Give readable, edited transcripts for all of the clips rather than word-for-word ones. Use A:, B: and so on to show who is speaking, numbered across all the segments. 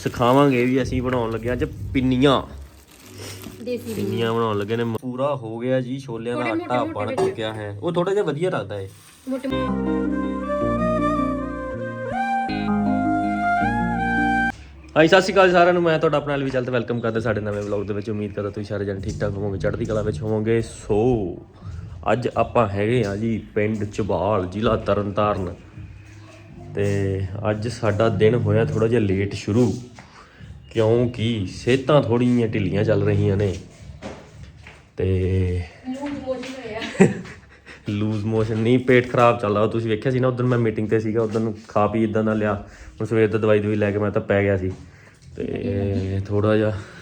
A: ਸਿਖਾਵਾਂਗੇ ਵੀ ਅਸੀਂ ਬਣਾਉਣ ਲੱਗੇ ਅੱਜ ਪਿੰਨੀਆਂ ਪਿੰਨੀਆਂ ਬਣਾਉਣ ਲੱਗੇ ਨੇ। ਪੂਰਾ ਹੋ ਗਿਆ ਜੀ, ਛੋਲਿਆਂ ਦਾ ਆਟਾ ਬਣ ਚੁੱਕਿਆ ਹੈ। ਉਹ ਥੋੜਾ ਜਿਹਾ ਵਧੀਆ ਲੱਗਦਾ ਹੈ। ਹਾਂਜੀ, ਸਤਿ ਸ਼੍ਰੀ ਅਕਾਲ ਸਾਰਿਆਂ ਨੂੰ। ਮੈਂ ਤੁਹਾਡਾ ਆਪਣਾ ਅਲਵੀ ਚੱਲ ਤੇ ਵੈਲਕਮ ਕਰਦਾ ਸਾਡੇ ਨਵੇਂ ਵਲੌਗ ਦੇ ਵਿੱਚ। ਉਮੀਦ ਕਰਦਾ ਤੁਸੀਂ ਸਾਰੇ ਜਣੇ ਠੀਕ ਠਾਕ ਹੋਵੋਗੇ, ਚੜ੍ਹਦੀ ਕਲਾ ਵਿੱਚ ਹੋਵੋਗੇ। ਸੋ ਅੱਜ ਆਪਾਂ ਹੈਗੇ ਆ ਜੀ ਪਿੰਡ ਝਬਾਲ, ਜ਼ਿਲ੍ਹਾ ਤਰਨਤਾਰਨ। ਤੇ ਅੱਜ ਸਾਡਾ ਦਿਨ ਹੋਇਆ ਥੋੜਾ ਜਿਹਾ ਲੇਟ ਸ਼ੁਰੂ, ਕਿਉਂਕਿ ਸਿਹਤਾਂ ਥੋੜ੍ਹੀਆਂ ਜਿਹੀਆਂ ਢਿੱਲੀਆਂ ਚੱਲ ਰਹੀਆਂ ਨੇ ਤੇ ਲੂਜ਼ ਮੋਸ਼ਨ ਨਹੀਂ, ਪੇਟ ਖਰਾਬ ਚੱਲਦਾ। ਤੁਸੀਂ ਵੇਖਿਆ ਸੀ ਨਾ ਉਦੋਂ ਮੈਂ ਮੀਟਿੰਗ ਤੇ ਸੀਗਾ, ਉਦੋਂ ਖਾ ਪੀ ਇੱਦਾਂ ਦਾ ਲਿਆ। ਹੁਣ ਸਵੇਰ ਦਾ ਦਵਾਈ ਲੈ ਕੇ ਮੈਂ ਤਾਂ ਪੈ ਗਿਆ ਸੀ ਤੇ ਥੋੜਾ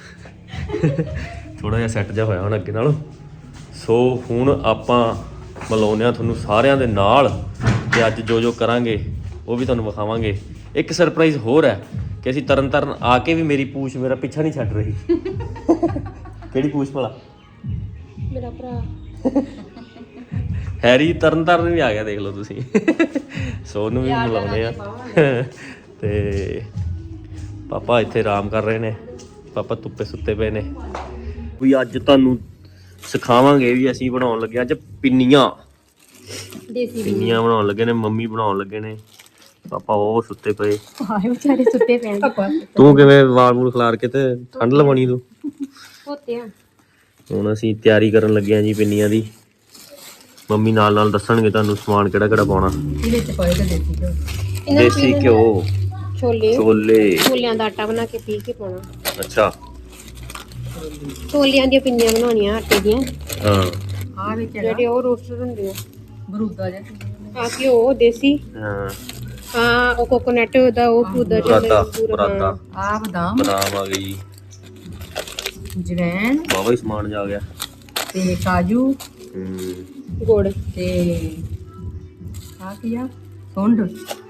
A: ਜਿਹਾ ਸੈੱਟ ਜਿਹਾ ਹੋਇਆ ਹੁਣ ਅੱਗੇ ਨਾਲੋਂ। ਸੋ ਹੁਣ ਆਪਾਂ ਮਿਲਾਉਂਦੇ ਹਾਂ ਤੁਹਾਨੂੰ ਸਾਰਿਆਂ ਦੇ ਨਾਲ ਤੇ ਅੱਜ ਜੋ ਕਰਾਂਗੇ ਉਹ ਵੀ ਤੁਹਾਨੂੰ ਵਿਖਾਵਾਂਗੇ। ਇੱਕ ਸਰਪ੍ਰਾਈਜ਼ ਹੋਰ ਹੈ ਕਿ ਅਸੀਂ ਤਰਨਤਾਰਨ ਆ ਕੇ ਵੀ ਮੇਰੀ ਪੂਛ ਮੇਰਾ ਪਿੱਛਾ ਨਹੀਂ ਛੱਡ ਰਹੀ। ਕਿਹੜੀ ਪੂਛ ਭਲਾ?
B: ਮੇਰਾ ਭਰਾ
A: ਹੈਰੀ ਤਰਨਤਾਰਨ ਵੀ ਆ ਗਿਆ, ਦੇਖ ਲਓ ਤੁਸੀਂ। ਸੋ ਉਹਨੂੰ ਵੀ ਮਿਲਾਉਂਦੇ ਆ। ਤੇ ਪਾਪਾ ਇੱਥੇ ਆਰਾਮ ਕਰ ਰਹੇ ਨੇ, ਪਾਪਾ ਧੁੱਪੇ ਸੁੱਤੇ ਪਏ ਨੇ। ਵੀ ਅੱਜ ਤੁਹਾਨੂੰ ਸਿਖਾਵਾਂਗੇ ਵੀ ਅਸੀਂ ਬਣਾਉਣ ਲੱਗੇ ਅੱਜ ਪਿੰਨੀਆਂ ਬਣਾਉਣ ਲੱਗੇ ਨੇ। ਮੰਮੀ ਬਣਾਉਣ ਲੱਗੇ ਨੇ, ਪਾਪਾ ਉਹ ਸੁੱਤੇ ਪਏ।
B: ਹਾਏ ਵਿਚਾਰੇ ਸੁੱਤੇ ਪਏ।
A: ਤੂੰ ਕਿਵੇਂ ਵਾਲ ਵੂਲ ਖਿਲਾਰ ਕੇ ਤੇ ਠੰਡ ਲਵਾਉਣੀ ਤੂੰ?
B: ਹੋਤੇ ਆ।
A: ਹੁਣ ਅਸੀਂ ਤਿਆਰੀ ਕਰਨ ਲੱਗੇ ਆ ਜੀ ਪਿੰਨੀਆਂ ਦੀ। ਮੰਮੀ ਨਾਲ ਦੱਸਣਗੇ ਤੁਹਾਨੂੰ ਸਮਾਨ ਕਿਹੜਾ ਪਾਉਣਾ। ਦੇਸੀ ਘਿਓ, ਛੋਲਿਆਂ
B: ਦਾ ਆਟਾ ਬਣਾ ਕੇ ਪੀ ਕੇ ਪਾਉਣਾ।
A: ਅੱਛਾ,
B: ਛੋਲਿਆਂ ਦੀਆਂ ਪਿੰਨੀਆਂ ਬਣਾਉਣੀਆਂ ਆਟੇ ਦੀਆਂ।
A: ਹਾਂ,
B: ਆ ਵਿੱਚ ਜਿਹੜੇ ਉਹ ਰੋਸਟਰ ਹੁੰਦੇ ਆ, ਬਰੂਦਾ ਜਿਹਾ। ਆ ਘਿਓ ਦੇਸੀ। ਹਾਂ ਉਹ ਕੋਕੋਨਟ ਦਾ ਉਹ
A: ਬਰਾਤਾ।
B: ਆ ਬਦਾਮ
A: ਆ ਗਈ,
B: ਜਵੈਣ,
A: ਬਾਵਾ ਹੀ ਸਮਾਨ ਜਾ ਗਿਆ
B: ਤੇ ਕਾਜੂ, ਗੁੜ ਤੇ ਆ ਕੀ ਆ, ਸੁੰਡ,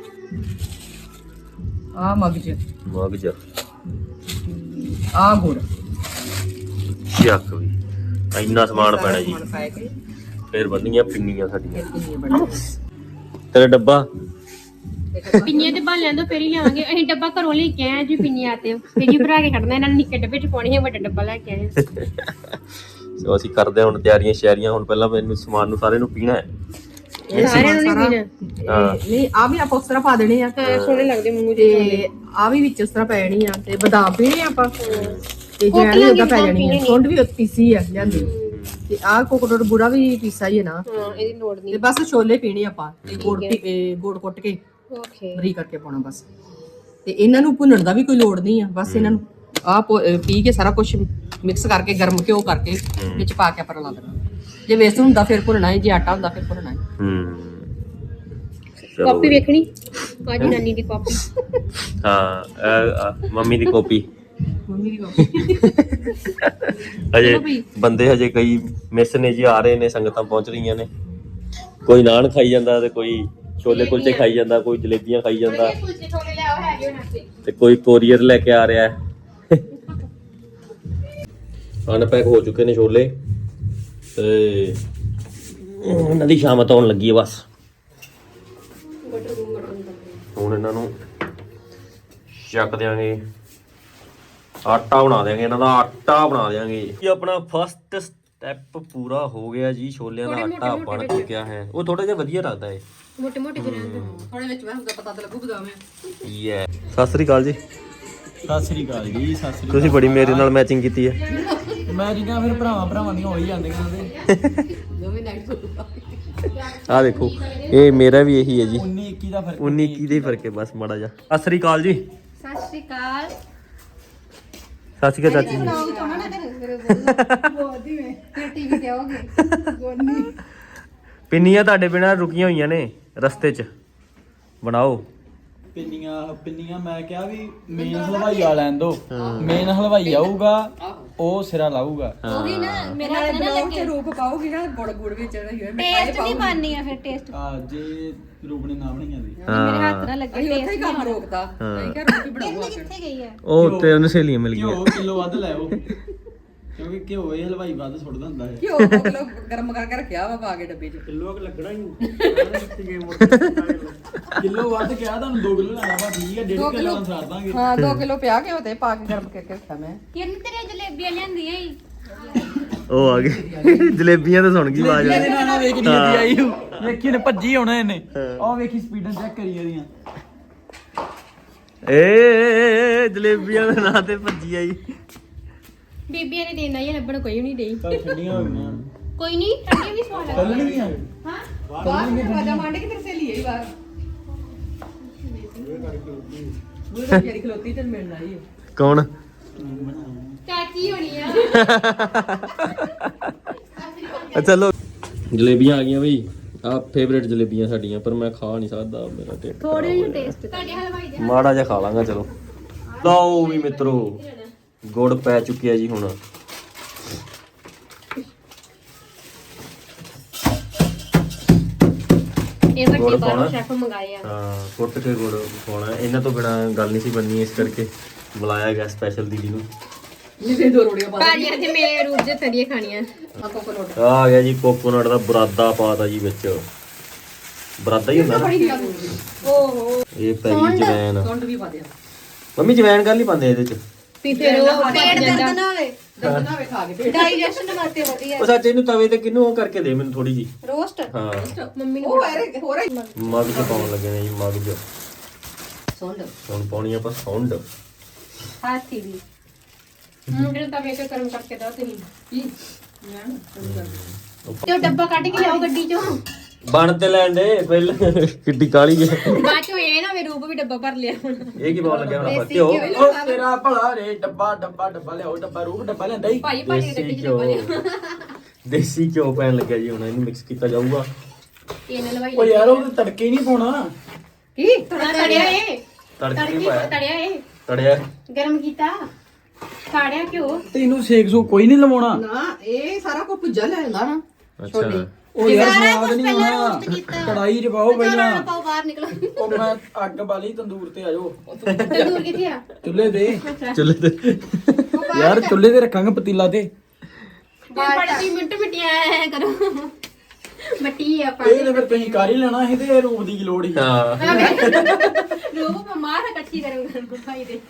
B: ਆ ਮਗਜ ਆ ਗੁੜ।
A: ਚੱਕ ਵੀ ਇੰਨਾ ਸਮਾਨ ਪੈਣਾ ਜੀ। ਫਿਰ ਬਣਨੀਆਂ ਪਿੰਨੀਆਂ ਸਾਡੀਆਂ। ਤੇਰਾ ਡੱਬਾ
B: ਪਿੰਨੀਆਂ ਤੇ ਬਣ ਲੈਂਦੋ ਫਿਰ ਹੀ ਲਿਆਵਾਂਗੇ। ਅਸੀਂ ਡੱਬਾ ਘਰੋਂ ਲੈ ਕੇ ਆਏ ਜੀ ਪਿੰਨੀਆਂ ਤੇ ਫਿਰ ਹੀ ਭਰਾ ਕੇ ਖੜਨਾ। ਇਹਨਾਂ ਨੇ ਨਿੱਕੇ ਡੱਬੇ ਚ ਪਾਉਣੀ ਹੈ, ਵੱਡਾ ਡੱਬਾ ਲੈ ਕੇ ਆਏ।
A: ਸੋ ਅਸੀਂ ਕਰਦੇ ਹੁਣ ਤਿਆਰੀਆਂ ਸ਼ਿਆਰੀਆਂ। ਹੁਣ ਪਹਿਲਾਂ ਮੈਨੂੰ ਸਮਾਨ ਨੂੰ ਸਾਰੇ ਨੂੰ ਪੀਣਾ ਹੈ।
B: ਸਾਰਿਆਂ ਨੂੰ ਨਹੀਂ ਪੀਣਾ।
C: ਨਹੀਂ ਆ ਵੀ ਆਪਾਂ ਉਸ ਤਰ੍ਹਾਂ ਪਾ ਦੇਣੇ ਆ,
B: ਸੋਹਣੇ ਲੱਗਦੇ ਮੂੰਹ
C: ਤੇ ਆ ਵੀ ਵਿੱਚ ਉਸ ਤਰ੍ਹਾਂ ਪੈ ਜਾਣੀ ਆ। ਤੇ ਬਦਾਮ ਪੀਣੇ ਆਪਾਂ ਤੇ ਜੈਨ ਵੀ ਉਹਦਾ ਪੈ ਜਾਣੀ ਆ। ਸੁੰਡ ਵੀ ਪੀਸੀ ਆ ਲਿਆਂਦੀ। ਤੇ ਆ ਕੋਕੋਨਟ ਬੁਰਾ ਵੀ ਪੀਸਾ ਹੀ ਹੈ ਨਾ।
B: ਇਹਦੀ ਲੋੜ ਨਹੀਂ।
C: ਤੇ ਬਸ ਛੋਲੇ ਪੀਣੇ ਆਪਾਂ ਤੇ ਗੁੜ ਕੁੱਟ ਕੇ
B: ਓਕੇ
C: ਬਰੀ ਕਰਕੇ ਪਾਉਣਾ ਬਸ। ਤੇ ਇਹਨਾਂ ਨੂੰ ਭੁੰਨਣ ਦਾ ਵੀ ਕੋਈ ਲੋੜ ਨਹੀਂ ਆ। ਬਸ ਇਹਨਾਂ ਨੂੰ ਆ ਪੀ ਕੇ ਸਾਰਾ ਕੁਝ ਮਿਕਸ ਕਰਕੇ ਗਰਮ ਘਿਓ ਕਰਕੇ ਵਿੱਚ ਪਾ ਕੇ ਆਪਾਂ ਲਾ ਦੇਣਾ। ਜੇ ਵੇਸਣ ਹੁੰਦਾ ਫਿਰ ਭੁੰਨਣਾ ਹੈ, ਜੇ ਆਟਾ ਹੁੰਦਾ ਫਿਰ ਭੁੰਨਣਾ ਹੈ।
B: ਕਾਪੀ ਵੇਖਣੀ ਅੱਜ ਨਾਨੀ ਦੀ ਕਾਪੀ।
A: ਹਾਂ, ਮੰਮੀ ਦੀ ਕਾਪੀ।
C: ਮੰਮੀ ਦੀ ਕਾਪੀ।
A: ਹਜੇ ਬੰਦੇ ਹਜੇ ਕਈ ਮਿਸ ਨੇ ਜੀ, ਆ ਰਹੇ ਨੇ, ਸੰਗਤਾਂ ਪਹੁੰਚ ਰਹੀਆਂ ਨੇ। ਕੋਈ ਨਾਨ ਖਾਈ ਜਾਂਦਾ ਤੇ ਕੋਈ ਛੋਲੇ ਕੁਲਚੇ ਖਾਈ ਜਾਂਦਾ, ਕੋਈ ਜਲੇਬੀਆਂ ਖਾਈ ਜਾਂਦਾ ਤੇ ਕੋਈ ਕੋਰੀਅਰ ਲੈ ਕੇ ਆ ਰਿਹਾ ਹੈ। ਅਨਪੈਕ ਹੋ ਚੁੱਕੇ ਨੇ ਛੋਲੇ ਤੇ ਇਹਨਾਂ ਦੀ ਸ਼ਾਮਤ ਆਉਣ ਲੱਗੀ ਹੈ। ਬਸ ਹੁਣ ਇਹਨਾਂ ਨੂੰ ਚੱਕ ਦਿਆਂਗੇ, ਆਟਾ ਬਣਾ ਦਿਆਂਗੇ। ਇਹਨਾਂ ਦਾ ਆਟਾ ਬਣਾ ਦਿਆਂਗੇ ਜੀ। ਆਪਣਾ ਫਸਟ ਸਟੈਪ ਪੂਰਾ ਹੋ ਗਿਆ ਜੀ, ਛੋਲਿਆਂ ਦਾ ਆਟਾ ਬਣ ਚੁੱਕਿਆ ਹੈ। ਉਹ ਥੋੜਾ ਜਿਹਾ ਵਧੀਆ ਲੱਗਦਾ ਹੈ,
B: ਮੋਟੇ ਮੋਟੇ ਜਿਹੇ ਰਹਿੰਦੇ।
C: ਥੋੜੇ ਵਿੱਚ ਮੈਂ ਹੁੰਦਾ ਪਤਾ ਤਾਂ ਲੱਗੂ ਬਦਾਮ ਹੈ।
A: ਯੇ ਸਤਿ ਸ੍ਰੀ ਅਕਾਲ ਜੀ।
D: ਸਤਿ ਸ੍ਰੀ ਅਕਾਲ ਜੀ। ਸਤਿ ਸ੍ਰੀ
A: ਤੁਸੀਂ ਬੜੀ ਮੇਰੇ ਨਾਲ ਮੈਚਿੰਗ ਕੀਤੀ ਹੈ।
D: ਮੈਂ ਜਿੱਦਾਂ ਫਿਰ ਭਰਾਵਾਂ ਦੀਆਂ ਹੋ ਹੀ ਜਾਂਦੀਆਂ ਨੇ।
C: ਦੋਵੇਂ ਨਾਈਟ
A: ਆਹ ਦੇਖੋ, ਇਹ ਮੇਰਾ ਵੀ ਇਹੀ ਹੈ ਜੀ।
D: 19 21 ਦਾ ਫਰਕ।
A: 19 21 ਦਾ ਹੀ ਫਰਕ ਹੈ ਬਸ ਮਾੜਾ ਜਿਹਾ। ਸਤਿ ਸ੍ਰੀ ਅਕਾਲ ਜੀ।
B: ਸਤਿ ਸ਼੍ਰੀ ਅਕਾਲ।
A: ਸਤਿ ਸ਼੍ਰੀ ਅਕਾਲ ਚਾਚੀ ਜੀ। ਪਿੰਨੀਆਂ ਤੁਹਾਡੇ ਬਿਨਾਂ ਰੁਕੀਆਂ ਹੋਈਆਂ ਨੇ ਰਸਤੇ 'ਚ, ਬਣਾਓ।
D: ਪਿੰਨੀਆਂ ਮੈਂ ਕਿਹਾ ਵੀ ਮੇਨ ਹਲਵਾਈ ਆ ਲੈਣ ਦੋ। ਮੇਨ ਹਲਵਾਈ ਆਊਗਾ, ਉਹ ਸਿਰਾ ਲਾਊਗਾ।
B: ਉਹੀ ਨਾ ਮੇਰਾ ਹੱਥ ਨਾ ਲੱਗੇ।
C: ਰੂਪ ਪਾਉਗੀ ਨਾ ਗੁੜ ਵਿੱਚ
B: ਟੇਸਟ ਨਹੀਂ ਬਣਨੀ ਆ ਫਿਰ ਟੇਸਟ।
D: ਜੇ ਰੂਪ ਨੇ ਨਾ ਬਣਾਈਆਂ ਦੀ
B: ਮੇਰੇ ਹੱਥ ਨਾ ਲੱਗੇ।
C: ਅਸੀਂ ਉੱਥੇ ਹੀ ਕੰਮ ਰੋਕਦਾ। ਅਸੀਂ ਕਿਹਾ ਰੂਪ ਹੀ ਬਣਾਉਗਾ।
B: ਕਿੱਥੇ ਗਈ ਹੈ?
A: ਉਹ ਉੱਤੇ ਉਹਨੂੰ ਸਹੇਲੀਆਂ ਮਿਲ ਗਈਆਂ।
D: ਘਿਓ ਕਿਲੋ ਵੱਧ ਲੈ ਆਓ। ਕਿਉਂਕਿ ਘਿਓ ਇਹ ਹਲਵਾਈ ਵੱਧ ਸੁੱਟਦਾ ਹੁੰਦਾ ਹੈ
C: ਘਿਓ 2 ਕਿਲੋ ਗਰਮ ਕਰਕੇ ਰੱਖਿਆ ਵਾ ਪਾ ਕੇ ਡੱਬੇ 'ਚ
D: ਕਿਲੋ ਵੱਧ ਕਿਹਾ ਤੁਹਾਨੂੰ 2 ਕਿਲੋ ਲੈਣਾ ਵਾ ਠੀਕ ਹੈ 1.5 ਕਿਲੋ ਨਾਲ ਸਾਰ ਦਾਂਗੇ
C: ਹਾਂ 2 ਕਿਲੋ ਪਿਆ ਘਿਓ ਤੇ ਪਾ ਕੇ ਗਰਮ ਕਰਕੇ ਰੱਖਿਆ ਮੈਂ
B: ਕਿਰਨ ਤੇਰੇ ਜਲੇਬੀਆਂ ਲਿਆਂਦੀਆਂ ਈ
A: ਉਹ ਆ ਗਏ ਜਲੇਬੀਆਂ ਤਾਂ ਸੁਣ ਗਈ ਆਵਾਜ਼
D: ਇਹਦੇ ਨਾਲ ਨਾ ਵੇਖ ਨਹੀਂ ਆਈ ਵੇਖੀ ਨੇ ਭੱਜੀ ਆਉਣਾ ਇਹਨੇ ਆਹ ਵੇਖੀ ਸਪੀਡਾਂ ਚੈੱਕ ਕਰੀ ਇਹਦੀਆਂ
A: ਏ ਜਲੇਬੀਆਂ ਦੇ ਨਾਂ ਤੇ ਭੱਜੀ ਆਈ
B: ਬੀਬੀਆਂ ਨੇ ਦੇਣਾ ਹੀ ਲੱਭਣ ਕੋਈ ਵੀ ਨਹੀਂ ਦੇਈ
D: ਕੱਲ ਠੰਡੀਆਂ ਹੋ ਗਈਆਂ
B: ਕੋਈ ਨਹੀਂ ਠੰਡੀ ਵੀ ਸਵਾਦ
D: ਕੱਲ
B: ਲੱਗਦੀ
D: ਨਹੀਂ ਆ
B: ਹਾਂ
C: ਬਾਹਰ ਮੈਂ ਬਾਜਾ ਮੰਡ ਕੇ ਤੇਰੇ ਸਹੇਲੀ ਆਈ ਬਾਹਰ ਉਹ ਤਾਂ ਜਿਹੜੀ ਖਲੋਤੀ ਤੇ ਮਿਲਣ ਆਈ ਹੈ
A: ਕੌਣ
B: ਚਾਚੀ ਹੋਣੀ ਆ
A: ਚਲੋ ਜਲੇਬੀਆਂ ਆ ਗਈਆਂ ਬਈ ਆ ਫੇਵਰੇਟ ਜਲੇਬੀਆਂ ਸਾਡੀਆਂ ਪਰ ਮੈਂ ਖਾ ਨਹੀਂ ਸਕਦਾ ਮੇਰਾ ਢਿੱਡ
B: ਥੋੜੇ ਜਿਹੇ ਟੇਸਟ ਤੁਹਾਡੇ ਹਲਵਾਈ ਦੇ
A: ਮਾੜਾ ਜਿਹਾ ਖਾ ਲਾਂਗਾ ਚਲੋ ਲਓ ਵੀ ਮਿੱਤਰੋ ਗੁੜ ਪੈ ਚੁੱਕਿਆ ਜੀ ਹੁਣ
B: ਇਹ ਵੱਡੇ
A: ਗੁੜ
B: ਬਾਹਰੋਂ
A: ਪਾਉਣਾ?
B: ਸ਼ੈਫ ਮੰਗਾਏ ਆ
A: ਹਾਂ ਕੁੱਟ ਕੇ ਗੁੜ ਪਾਉਣਾ ਇਹਨਾਂ ਤੋਂ ਬਿਨਾ ਗੱਲ ਨਹੀਂ ਸੀ ਬਣਨੀ ਇਸ ਕਰਕੇ ਬੁਲਾਇਆ ਗਿਆ ਸਪੈਸ਼ਲ ਦੀਦੀ ਨੂੰ
C: ਜਿਹਦੇ 2 ਰੋੜੀਆਂ ਪਾ
B: ਭਾਜੀ ਅੱਜ ਮੇਰੇ ਰੂਪ ਦੇ ਤਰੀਏ ਖਾਣੀਆਂ
C: ਆ ਕੋਕੋਨਟ
A: ਆ ਗਿਆ ਜੀ ਕੋਕੋਨਟ ਦਾ ਬਰਾਦਾ ਪਾਤਾ ਜੀ ਵਿੱਚ ਬਰਾਦਾ ਹੀ ਹੁੰਦਾ ਨਾ
B: ਓਹੋ
A: ਇਹ ਪੈ ਗਈ ਜਵੈਨ
C: ਸੁੰਡ ਵੀ ਪਾ ਦਿਆ
A: ਮੰਮੀ ਜਵੈਨ ਕਰ ਲਈ ਪਾਉਂਦੇ ਇਹਦੇ ਚ
B: ਵੀ ਫਿਰ ਉਹ ਪੇਟ ਦਰਦ ਨਾ ਹੋਵੇ
C: ਦਰਦ ਨਾ ਵੇ ਖਾ ਕੇ ਪੇਟ
B: ਡਾਈਜੈਸ਼ਨ ਵਾਸਤੇ ਵਧੀਆ
A: ਉਹ ਸੱਚ ਇਹਨੂੰ ਤਵੇ ਤੇ ਕਿੰਨੂੰ ਉਹ ਕਰਕੇ ਦੇ ਮੈਨੂੰ ਥੋੜੀ ਜੀ
B: ਰੋਸਟ
A: ਹਾਂ
B: ਮੰਮੀ ਨੂੰ
C: ਉਹ ਐਰੇ ਹੋਰ
A: ਮਗ ਚ ਪਾਉਣ ਲੱਗੇ ਨੇ ਜੀ ਮਗ ਚ
C: ਸੁੰਡ
A: ਹੁਣ ਪਾਉਣੀ ਆਪਾਂ ਸੌਂਡ
B: ਹਾਥੀ ਵੀ ਮੁੰਡੇ ਨੂੰ ਤਵੇ ਤੇ ਗਰਮ ਕਰਕੇ ਦੋ ਤੁਸੀਂ
C: ਕੀ ਜਾਣ
B: ਤੇ ਉਹ ਡੱਬਾ ਕੱਢ ਕੇ ਲਿਆਓ ਗੱਡੀ ਚੋਂ
A: ਬਣ ਤੇ ਲੈਣ ਦੇ ਪਹਿਲਾਂ ਕਿੱਡੀ ਕਾਲੀ ਹੈ
B: ਬਾਅਦ ਚੋਂ ਇਹ ਨਾ ਵੇ ਰੂਪ ਵੀ ਡੱਬਾ ਭਰ ਲਿਆ ਹੁਣ
A: ਇਹ ਕੀ ਪਾਉਣ ਲੱਗਿਆ ਹੁਣ ਆਪਾਂ ਘਿਓ
D: ਉਹ ਤੇਰਾ ਭਲਾ ਰੇ ਡੱਬਾ ਲਿਆਓ ਡੱਬਾ ਰੂਪ ਡੱਬਾ ਲੈਂਦਾ ਹੀ
B: ਭਾਈ ਭਾਜੀ ਗੱਡੀ ਚ ਡੱਬਾ ਲਿਆ
A: ਦੇਸੀ ਘਿਓ ਪੈਣ ਲੱਗਿਆ ਜੀ ਹੁਣ ਇਹਨੂੰ ਮਿਕਸ ਕੀਤਾ ਜਾਊਗਾ
B: ਇਹ ਲਵਾਈ
D: ਉਹ ਯਾਰ ਉਹ ਤੜਕੇ ਹੀ ਨਹੀਂ ਪਾਉਣਾ
C: ਕੀ
B: ਥੋੜਾ ਤੜਿਆ ਇਹ
A: ਤੜਕੇ ਨਹੀਂ ਪਾਇਆ
B: ਤੜਿਆ ਇਹ
A: ਤੜਿਆ
B: ਗਰਮ ਕੀਤਾ ਸਾੜਿਆ ਕਿਉਂ
D: ਤੈਨੂੰ ਸੇਕ ਸੂ ਕੋਈ ਨਹੀਂ ਲਵਾਉਣਾ
C: ਨਾ ਇਹ ਸਾਰਾ ਕੁਝ ਭੁੱਜਾ ਲੈ ਜਾਂਦਾ ਨਾ
A: ਅੱਛਾ
D: ਉਹ ਯਾਰ ਸਵਾਦ ਨਹੀਂ ਆਉਣਾ ਕੜਾਈ 'ਚ ਪਾਓ ਪਹਿਲਾਂ
B: ਪਾਓ ਬਾਹਰ ਨਿਕਲੋ
D: ਉਹ ਮੈਂ ਅੱਗ ਬਾਲੀ ਤੰਦੂਰ ਤੇ ਆਜੋ
B: ਤੰਦੂਰ ਕਿੱਥੇ ਆ
D: ਚੁੱਲ੍ਹੇ ਤੇ
A: ਚੁੱਲ੍ਹੇ ਤੇ
D: ਯਾਰ ਚੁੱਲ੍ਹੇ ਤੇ ਰੱਖਾਂਗੇ ਪਤੀਲਾ ਤੇ
B: ਬੜੀ ਮਿੰਟ ਮਿਟਿਆ ਐ ਕਰੋ ਮੱਟੀ ਆ
D: ਇਹ ਤੇ ਫਿਰ ਤੁਸੀਂ ਕਰ ਹੀ ਲੈਣਾ ਸੀ ਤੇ ਰੂਪ ਦੀ ਕੀ ਲੋੜ ਸੀ
A: ਹਾਂ
B: ਰੂਪ ਬਿਮਾਰ ਹੈ ਕੱਚੀ ਗਰਮ ਭਾਈ ਦੇ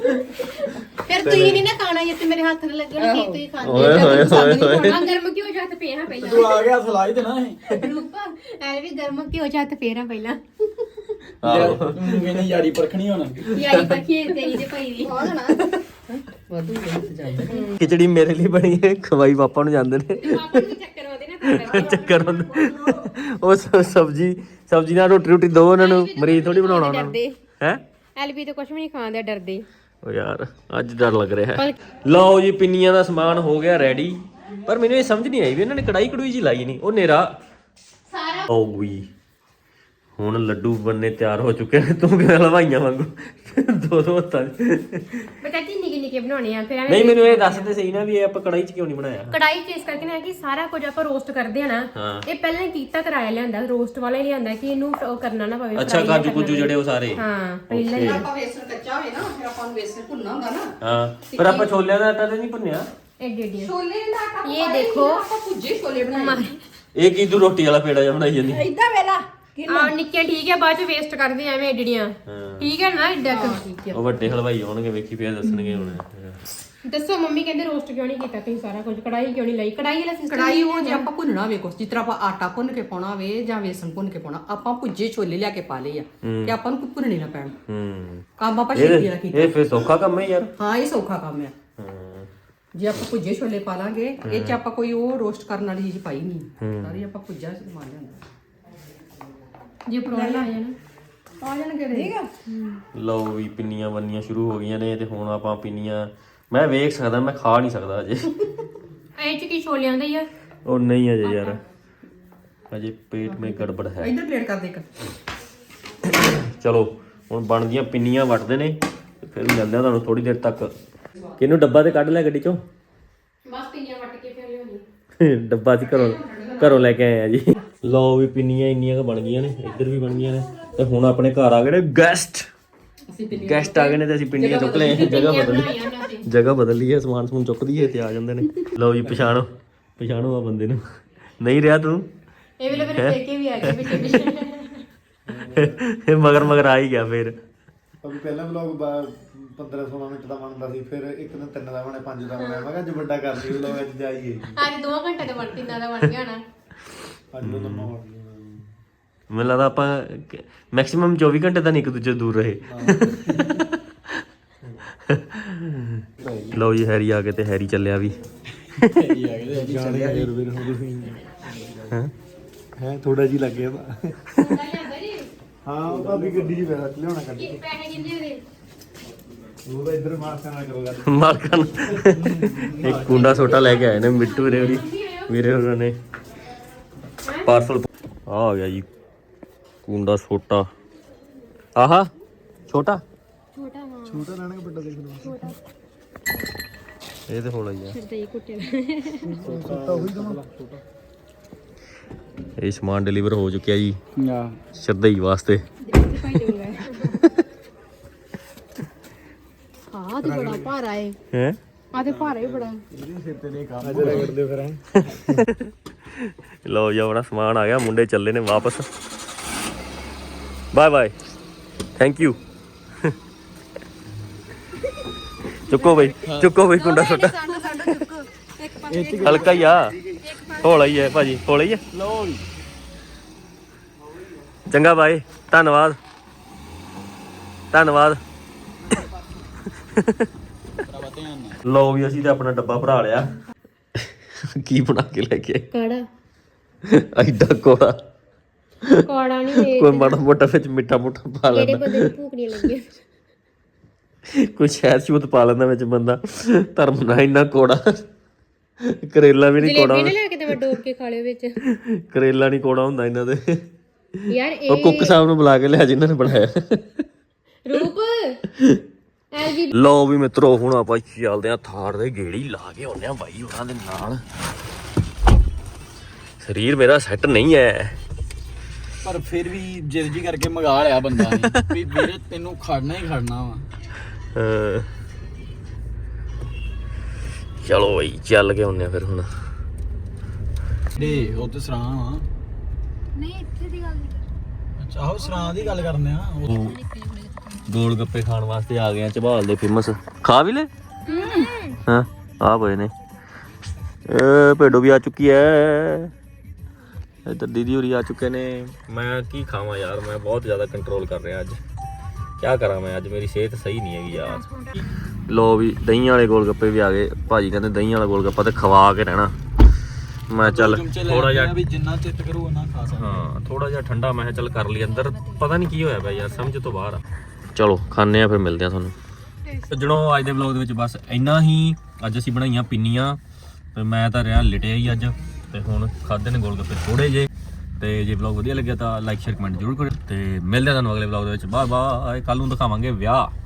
B: ਫਿਰ ਤੁਸੀਂ ਨਹੀਂ ਨਾ ਖਾਣਾ ਇਹ ਤੇ ਮੇਰੇ ਹੱਥ ਨਾਲ ਲੱਗਣ ਕੀ ਤੁਸੀਂ ਖਾਂਦੇ
A: ਓਏ ਹੋਏ ਹੋਏ ਹੋਏ
B: ਆ ਗਰਮ ਕਿਉਂ ਜੱਤ ਪਿਆ ਪਹਿਲਾਂ
D: ਤੂੰ ਆ ਗਿਆ ਸਲਾਈ ਦੇਣਾ ਸੀ
B: ਰੂਪ ਐ ਵੀ ਗਰਮ ਕਿਉਂ ਜੱਤ ਫੇਰਾ ਪਹਿਲਾਂ
A: ਆਹੋ
D: ਤੂੰ ਕਹਿੰਦੀ ਯਾਰੀ ਪਰਖਣੀ ਹੁਣ
B: ਯਾਰੀ ਪੱਖੀ ਤੇਰੀ ਤੇ ਭਾਈ ਦੀ
C: ਵਾਧੂ ਮਿਹਨਤ ਜਾਂਦਾ
A: ਖਿਚੜੀ ਮੇਰੇ ਲਈ ਬਣੀ ਹੈ ਖਵਾਈ ਪਾਪਾ ਨੂੰ ਜਾਂਦੇ ਨੇ
B: ਪਾਪਾ ਨੂੰ ਚੱਕਰ ਆਉਂਦੇ ਨਾ ਤਾਂ
A: ਚੱਕਰ ਹੁੰਦਾ ਉਹ ਸਬਜ਼ੀ ਨਾਲ ਰੋਟੀ ਦੋ ਉਹਨਾਂ ਨੂੰ ਮਰੀਜ਼ ਥੋੜੀ ਬਣਾਉਣਾ ਉਹਨਾਂ ਨੂੰ ਹੈ
B: ਐਲਬੀ ਤੋਂ ਕੁਝ ਵੀ ਨਹੀਂ ਖਾਂਦੇ ਡਰਦੇ
A: ਓ ਯਾਰ ਅੱਜ ਡਰ ਲੱਗ ਰਿਹਾ ਹੈ ਲਓ ਜੀ ਪਿੰਨੀਆਂ ਦਾ ਸਮਾਨ ਹੋ ਗਿਆ ਰੈਡੀ ਪਰ ਮੈਨੂੰ ਇਹ ਸਮਝ ਨਹੀਂ ਆਈ ਵੀ ਇਹਨਾਂ ਨੇ ਕੜਾਈ ਕੜੂਈ ਜੀ ਲਾਈ ਨਹੀਂ ਉਹ ਨੇਰਾ
B: ਸਾਰਾ
A: ਓ ਵੀ ਹੁਣ ਲੱਡੂ ਬੰਨੇ ਤਿਆਰ ਹੋ ਚੁੱਕੇ ਨੇ ਤੂੰ ਕਿਵੇਂ ਹਲਵਾਈਆਂ ਵਾਂਗੂ ਦੋ ਹੱਥਾਂ
B: ਬੇਟਾ ਨਿੱਕੇ ਨਿੱਕੇ ਬਣਾਉਣੇ ਆ ਫਿਰ ਐਵੇਂ
A: ਨਹੀਂ ਮੈਨੂੰ ਇਹ ਦੱਸ ਤੇ ਸਹੀ ਨਾ ਵੀ ਇਹ ਆਪਾਂ ਕੜਾਈ 'ਚ ਕਿਉਂ ਨਹੀਂ ਬਣਾਇਆ
B: ਕੜਾਈ ਚ ਇਸ ਕਰਕੇ ਨਾ ਕਿ ਸਾਰਾ ਕੁਝ ਆਪਾਂ ਰੋਸਟ ਕਰਦੇ ਆ ਨਾ
A: ਹਾਂ।
B: ਇਹ ਪਹਿਲਾਂ ਹੀ ਕੀਤਾ ਕਰਾਇਆ ਲਿਆਂਦਾ ਰੋਸਟ ਵਾਲਾ ਹੀ ਲਿਆਂਦਾ ਕਿ ਇਹਨੂੰ ਉਹ ਕਰਨਾ ਨਾ ਪਵੇ
A: ਅੱਛਾ ਕਾਜੂ ਕੁਜੂ ਜਿਹੜੇ ਉਹ ਸਾਰੇ
B: ਹਾਂ ਪਹਿਲਾਂ ਹੀ
C: ਆਪਾਂ ਵੇਸਣ ਕੱਚਾ ਹੋਏ ਨਾ ਫਿਰ ਆਪਾਂ ਨੂੰ ਵੇਸਣ ਭੁੰਨਣਾ ਹੁੰਦਾ ਨਾ
A: ਹਾਂ ਪਰ ਆਪਾਂ ਛੋਲਿਆਂ ਦਾ ਆਟਾ ਤੇ ਨਹੀਂ ਭੁੰਨਿਆ
B: ਐਡੇ ਐਡੇ
C: ਛੋਲੇ ਦਾ ਆਟਾ
B: ਇਹ ਦੇਖੋ
C: ਆਪਾਂ ਭੁੱਜੇ ਛੋਲੇ ਬਣਾਏ
A: ਇਹ ਕੀ ਤੂੰ ਰੋਟੀ ਵਾਲਾ ਪੇੜਾ ਜਿਹਾ ਬਣਾਈ ਜਾਂਦੀ
C: ਇਦਾਂ ਵੇਲਾ
B: ਆ ਨਿੱਕੇ ਠੀਕ ਹੈ ਬਾਅਦ ਚ ਵੇਸਟ ਕਰਦੇ ਐਵੇਂ ਐਡੀਆਂ
A: ਹਾਂ।
B: ਠੀਕ ਹੈ ਨਾ ਐਡਾ
A: ਉਹ ਵੱਡੇ ਹਲਵਾਈ ਆਉਣਗੇ ਵੇਖੀ ਫੇਰ ਦੱਸਣਗੇ ਹੁਣ
B: ਦੱਸੋ ਮੰਮੀ ਕਹਿੰਦੇ ਰੋਸਟ ਕਿਉਂ ਨਹੀਂ ਕੀਤਾ ਤੁਸੀਂ ਸਾਰਾ ਕੁਝ ਕੜਾਈ ਕਿਉਂ ਨਹੀਂ ਲਈ ਕੜਾਈ ਵਾਲਾ ਸਿਸਟਮ
C: ਕੜਾਈ ਉਹ ਜੇ ਆਪਾਂ ਭੁੰਨਣਾ ਹੋਵੇ ਕੁਛ ਜਿਸ ਤਰ੍ਹਾਂ ਆਪਾਂ ਆਟਾ ਭੁੰਨ ਕੇ ਪਾਉਣਾ ਹੋਵੇ ਜਾਂ ਵੇਸਣ ਭੁੰਨ ਕੇ ਪਾਉਣਾ ਆਪਾਂ ਭੁੱਜੇ ਛੋਲੇ ਲਿਆ ਕੇ ਪਾ ਲਏ ਆ ਤੇ ਆਪਾਂ ਨੂੰ ਭੁੰਨਣੇ ਨਾ ਪੈਣ ਕੰਮ ਆਪਾਂ ਛੇਤੀ ਨਾਲ ਕੀਤਾ
A: ਇਹ ਫੇਰ ਸੌਖਾ ਕੰਮ ਹੈ ਯਾਰ
C: ਹਾਂ ਇਹ ਸੌਖਾ ਕੰਮ ਆ
A: ਹਾਂ
C: ਜੇ ਆਪਾਂ ਭੁੱਜੇ ਛੋਲੇ ਪਾ ਲਾਂਗੇ ਇਹ ਚ ਆਪਾਂ ਕੋਈ ਉਹ ਰੋਸਟ ਕਰਨ ਵਾਲੀ ਚੀਜ਼ ਪਾਈ ਨਹੀਂ ਸਾਰੀ ਆਪਾਂ ਭੁੱਜਾ ਸਮਾਨ ਲਿਆਂਦਾ
B: ਜੇ ਪ੍ਰੋਬਲਮ ਆ ਜਾਣਾ
C: ਆ ਜਾਣਗੇ ਠੀਕ ਆ
A: ਲਓ ਵੀ ਪਿੰਨੀਆਂ ਬੰਨੀਆਂ ਸ਼ੁਰੂ ਹੋ ਗਈਆਂ ਨੇ ਤੇ ਹੁਣ ਆਪਾਂ ਪਿੰਨੀਆਂ ਮੈਂ ਵੇਖ ਸਕਦਾ ਮੈਂ ਖਾ ਨਹੀਂ ਸਕਦਾ ਅਜੇ
B: ਇਹ ਚ ਕੀ ਛੋਲਿਆਂ ਦਾ ਹੀ ਆ
A: ਉਹ ਨਹੀਂ ਅਜੇ ਯਾਰ ਅਜੇ ਪੇਟ ਮੇ ਗੜਬੜ ਹੈ
C: ਇੱਧਰ ਪਲੇਟ ਕਰ ਦੇ ਇੱਕ
A: ਚਲੋ ਹੁਣ ਬਣਦੀਆਂ ਪਿੰਨੀਆਂ ਵੱਟਦੇ ਨੇ ਤੇ ਫਿਰ ਮਿਲਦੇ ਆ ਤੁਹਾਨੂੰ ਥੋੜੀ ਦੇਰ ਤੱਕ ਕਿਹਨੂੰ ਡੱਬਾ ਤੇ ਕੱਢ ਲਿਆ ਗੱਡੀ ਚੋਂ
B: ਬਸ ਪਿੰਨੀਆਂ ਵੱਟ ਕੇ ਫਿਰ ਲਿਆਉਣੀ
A: ਡੱਬਾ ਸੀ ਘਰੋਂ ਲੈ ਕੇ ਆਏ ਆ ਜੀ ਲਓ ਵੀ ਪਿੰਨੀਆਂ ਇੰਨੀਆਂ ਕੁ ਬਣ ਗਈਆਂ ਨੇ ਇੱਧਰ ਵੀ ਬਣ ਗਈਆਂ ਨੇ ਤੇ ਹੁਣ ਆਪਣੇ ਘਰ ਆ ਗਏ ਨੇ ਗੈਸਟ
C: ਅਸੀਂ ਪਿੰਨੀਆਂ
A: ਗੈਸਟ ਆ ਗਏ ਨੇ ਤੇ ਅਸੀਂ ਪਿੰਨੀਆਂ ਚੁੱਕ ਲਏ ਜਗ੍ਹਾ ਬਦਲ ਲਈ
B: ਬਣਾਈਆਂ ਉਹਨਾਂ ਤੇ
A: ਜਗ੍ਹਾ ਬਦਲ ਲਈ ਹੈ, ਸਮਾਨ ਸਮੂਨ ਚੁੱਕਦੀ ਹੈ ਤੇ ਆ ਜਾਂਦੇ ਨੇ। ਲਓ ਜੀ ਪਛਾਣੋ ਆ ਬੰਦੇ ਨੂੰ। ਨਹੀਂ ਰਿਹਾ ਤੂੰ
B: ਇਹ ਵੇਲੇ ਮੇਰੇ ਪੇਕੇ ਵੀ ਆ ਗਏ ਪਿੱਛੇ ਪਿੱਛੇ।
A: ਇਹ ਮਗਰ ਆ ਹੀ ਗਿਆ ਫਿਰ।
E: ਅਭੀ ਪਹਿਲਾ ਵਲੌਗ 15-16 ਮਿੰਟ ਦਾ ਬਣਦਾ ਸੀ, ਫਿਰ ਇੱਕ ਦਿਨ 3 ਦਾ ਬਣਿਆ, 5 ਦਾ ਬਣਿਆ। ਮੈਂ ਕਿਹਾ ਅੱਜ ਵੱਡਾ ਕਰ ਲਈ ਵਲੌਗ, ਅੱਜ ਜਾਈਏ।
B: ਅੱਜ 2 ਘੰਟੇ ਦਾ ਬਣ 3 ਦਾ ਬਣ ਗਿਆ ਨਾ।
E: ਅੱਜ ਤੋਂ ਲੰਮਾ ਹੋ ਗਿਆ।
A: ਮੈਨੂੰ ਲੱਗਦਾ ਆਪਾਂ ਮੈਕਸਿਮਮ 24 ਘੰਟੇ ਤਾਂ ਨਹੀਂ ਇੱਕ ਦੂਜੇ ਤੋਂ ਦੂਰ ਰਹੇ। ਲਓ ਜੀ ਹੈਰੀ ਆ ਗਏ ਤੇ ਹੈਰੀ ਚੱਲਿਆ ਵੀ।
E: ਹੈ ਥੋੜਾ ਜੀ ਲੱਗਿਆ ਹਾਂ, ਉਹ ਭਾਬੀ ਗੱਡੀ 'ਚ ਬੈਠਾ ਲਿਆਉਣਾ ਕੱਢ ਕੇ।
B: ਪੈਸੇ ਕਿੰਨੇ ਦੇ?
E: ਉਹ ਤਾਂ ਇੱਧਰ ਮਾਰਕਾ ਨਾ ਕਰੋ ਗੱਲ।
A: ਮਾਲਕਾਂ ਨੂੰ ਇੱਕ ਕੁੰਡਾ ਛੋਟਾ ਲੈ ਕੇ ਆਏ ਨੇ ਮਿੱਟੂ ਵੀਰੇ ਉਹਨਾਂ ਨੇ ਪਾਰਸਲ ਆ ਗਿਆ ਜੀ। ਕੁੰਡਾ ਛੋਟਾ ਆਹਾ ਛੋਟਾ
B: ਛੋਟਾ ਹਾਂ
E: ਛੋਟਾ ਲੈਣਾ ਕਿ ਵੱਡਾ ਦੇਖ ਲਓ।
B: ਛੋਟਾ
A: ਇਹ ਤੇ ਹੋਣਾ ਹੀ ਆ।
B: ਫਿਰ ਤੇ ਕੁੱਟੇ
E: ਛੋਟਾ ਹੋਈ ਦਮਾ ਛੋਟਾ।
A: ਇਹ ਸਮਾਨ ਡਿਲੀਵਰ ਹੋ ਚੁੱਕਿਆ ਜੀ
D: ਆ
A: ਸ਼ਰਦਈ ਵਾਸਤੇ।
B: ਭਾਈ ਦੇਊਗਾ। ਹਾਂ ਤੇ ਬੜਾ ਭਾਰਾ ਹੈ।
A: ਹੈ
B: ਆ ਤੇ ਭਾਰਾ ਹੀ ਬੜਾ।
E: ਸਿਰ ਤੇ ਨਹੀਂ ਕੰਮ ਰਗੜਦੇ ਫਿਰ ਐ।
A: ਲਓ ਜੀ ਆਪਣਾ ਸਮਾਨ ਆ ਗਿਆ, ਮੁੰਡੇ ਚੱਲੇ ਨੇ ਵਾਪਸ। Bye bye, thank you. ਚੁੱਕੋ ਬਈ ਕੁੰਡਾ ਛੋਟਾ ਹਲਕਾ ਹੀ ਆ, ਹੌਲਾ ਹੀ ਹੈ ਭਾਜੀ, ਹੌਲਾ ਹੀ ਹੈ।
D: ਲਓ ਜੀ
A: ਚੰਗਾ ਬਾਏ, ਧੰਨਵਾਦ। ਲਓ ਵੀ ਅਸੀਂ ਤੇ ਆਪਣਾ ਡੱਬਾ ਭਰਾ ਲਿਆ। ਕੀ ਬਣਾ ਕੇ ਲੈ ਕੇ
B: ਕਾੜਾ
A: ਐਡਾ ਕੋੜਾ
B: ਕਾੜਾ ਨਹੀਂ
A: ਕੋਈ ਮਾੜਾ ਮੋਟਾ ਵਿੱਚ ਮਿੱਠਾ ਮੁੱਠਾ ਪਾ
B: ਜਿਹੜੇ
A: ਲੈਂਦਾ,
B: ਬੰਦੇ ਨੂੰ ਭੂਖ ਨਹੀਂ ਲੱਗੀ।
A: ਕੋਈ ਸ਼ਹਿਦ ਸ਼ੂਦ ਪਾ ਲੈਂਦਾ ਵਿੱਚ ਬੰਦਾ। ਧਰਮ ਨਾ ਇੰਨਾ ਕੋੜਾ। ਕਰੇਲਾ ਵੀ ਨਹੀਂ ਕੋੜਾ,
B: ਜਲੇਬੀ ਨਾ ਲੈ ਕੇ ਤੇ ਮੈਂ ਡੋਬ ਕੇ ਖਾ ਲਿਓ ਵਿੱਚ।
A: ਕਰੇਲਾ ਨਹੀਂ ਕੋੜਾ ਹੁੰਦਾ ਇਹਨਾਂ ਦੇ।
B: ਯਾਰ
A: ਉਹ ਕੁੱਕ ਸਾਹਿਬ ਨੂੰ ਬੁਲਾ ਕੇ ਲਿਆ ਜਿਨ੍ਹਾਂ ਨੇ ਬਣਾਇਆ।
B: ਰੂਪ ਐਲਜੀ
A: ਲਓ ਵੀ ਮਿੱਤਰੋ ਹੁਣ ਆਪਾਂ ਚੱਲਦੇ ਆ ਥਾਰ ਦੇ ਗੇੜੀ ਲਾ ਕੇ ਆਉਂਦੇ ਆ ਬਾਈ ਉਹਨਾਂ ਦੇ ਨਾਲ। ਸਰੀਰ ਮੇਰਾ ਸੈੱਟ ਨਹੀਂ ਹੈ
D: ਪਰ ਫਿਰ ਵੀ ਜਿੱਦ ਜੀ ਕਰਕੇ ਮੰਗਾ ਲਿਆ ਬੰਦਾ ਨੇ ਵੀ ਵੀਰੇ ਤੈਨੂੰ ਖੜਨਾ ਹੀ ਖੜਨਾ ਵਾ।
A: ਚਲੋ ਬਈ ਚੱਲ ਕੇ ਆਉਂਦੇ ਆ ਫਿਰ ਹੁਣ।
D: ਦੇ ਉਹ ਤੇ ਸਰਾਂ ਵਾ।
B: ਨਹੀਂ ਇੱਥੇ ਦੀ ਗੱਲ ਨਹੀਂ।
D: ਅੱਛਾ ਆਹੋ ਸਰਾਂ ਦੀ ਗੱਲ ਕਰਨੇ ਆ।
A: ਗੋਲ ਗੱਪੇ ਖਾਣ ਵਾਸਤੇ ਆ ਗਏ ਆ ਝਬਾਲ ਦੇ ਫੇਮਸ। ਖਾ ਵੀ ਲੈ ਹਾਂ ਆ ਪਏ ਨੇ। ਭੇਡੋ ਵੀ ਆ ਚੁੱਕੀ ਐ, ਇੱਧਰ ਦੀਦੀ ਹੋਰੀ ਆ ਚੁੱਕੇ ਨੇ। ਮੈਂ ਕੀ ਖਾਵਾਂ ਯਾਰ, ਮੈਂ ਬਹੁਤ ਜ਼ਿਆਦਾ ਕੰਟਰੋਲ ਕਰ ਰਿਹਾ ਅੱਜ। ਕੀ ਕਰਾਂ ਮੈਂ, ਅੱਜ ਮੇਰੀ ਸਿਹਤ ਸਹੀ ਨਹੀਂ ਹੈਗੀ ਯਾਰ। ਲੋ ਵੀ ਦਹੀਂ ਵਾਲੇ ਗੋਲ ਗੱਪੇ ਵੀ ਆ ਗਏ। ਭਾਜੀ ਕਹਿੰਦੇ ਦਹੀਂ ਵਾਲਾ ਗੋਲ ਗੱਪਾ ਤੇ ਖਵਾ ਕੇ ਰਹਿਣਾ। ਮੈਂ ਚੱਲ ਥੋੜਾ ਜਿਹਾ
D: ਵੀ ਜਿੰਨਾ ਚਿੱਤ ਕਰੂ ਉਹਨਾਂ ਖਾ ਸਕਦਾ।
A: ਹਾਂ ਥੋੜਾ ਜਿਹਾ ਠੰਡਾ ਮੈਂ ਕਿਹਾ ਚੱਲ ਕਰ ਲਈ ਅੰਦਰ। ਪਤਾ ਨਹੀਂ ਕੀ ਹੋਇਆ ਪਿਆ ਯਾਰ, ਸਮਝ ਤੋਂ ਬਾਹਰ ਆ। ਚਲੋ ਖਾਂਦੇ ਆ ਫਿਰ ਮਿਲਦੇ ਆ ਤੁਹਾਨੂੰ। ਸੱਜਣੋ ਅੱਜ ਦੇ ਵਲੌਗ ਦੇ ਵਿੱਚ ਬਸ ਇੰਨਾ ਹੀ। ਅੱਜ ਅਸੀਂ ਬਣਾਈਆਂ ਪਿੰਨੀਆਂ ਤੇ ਮੈਂ ਤਾਂ ਰਿਹਾ ਲਿਟਿਆ ਹੀ ਅੱਜ। ਤੇ ਹੁਣ ਖਾਦੇ ਨੇ ਗੋਲ ਗੱਪੇ ਥੋੜੇ ਜੇ। ਤੇ ਜੇ ਵਲੌਗ ਵਧੀਆ ਲੱਗਿਆ ਤਾਂ ਲਾਈਕ ਸ਼ੇਅਰ ਕਮੈਂਟ ਜ਼ਰੂਰ ਕਰਿਓ। ਤੇ ਮਿਲਦੇ ਆ ਤੁਹਾਨੂੰ ਅਗਲੇ ਵਲੌਗ ਦੇ ਵਿੱਚ। Bye bye. ਕੱਲ ਨੂੰ ਦਿਖਾਵਾਂਗੇ ਵਿਆਹ।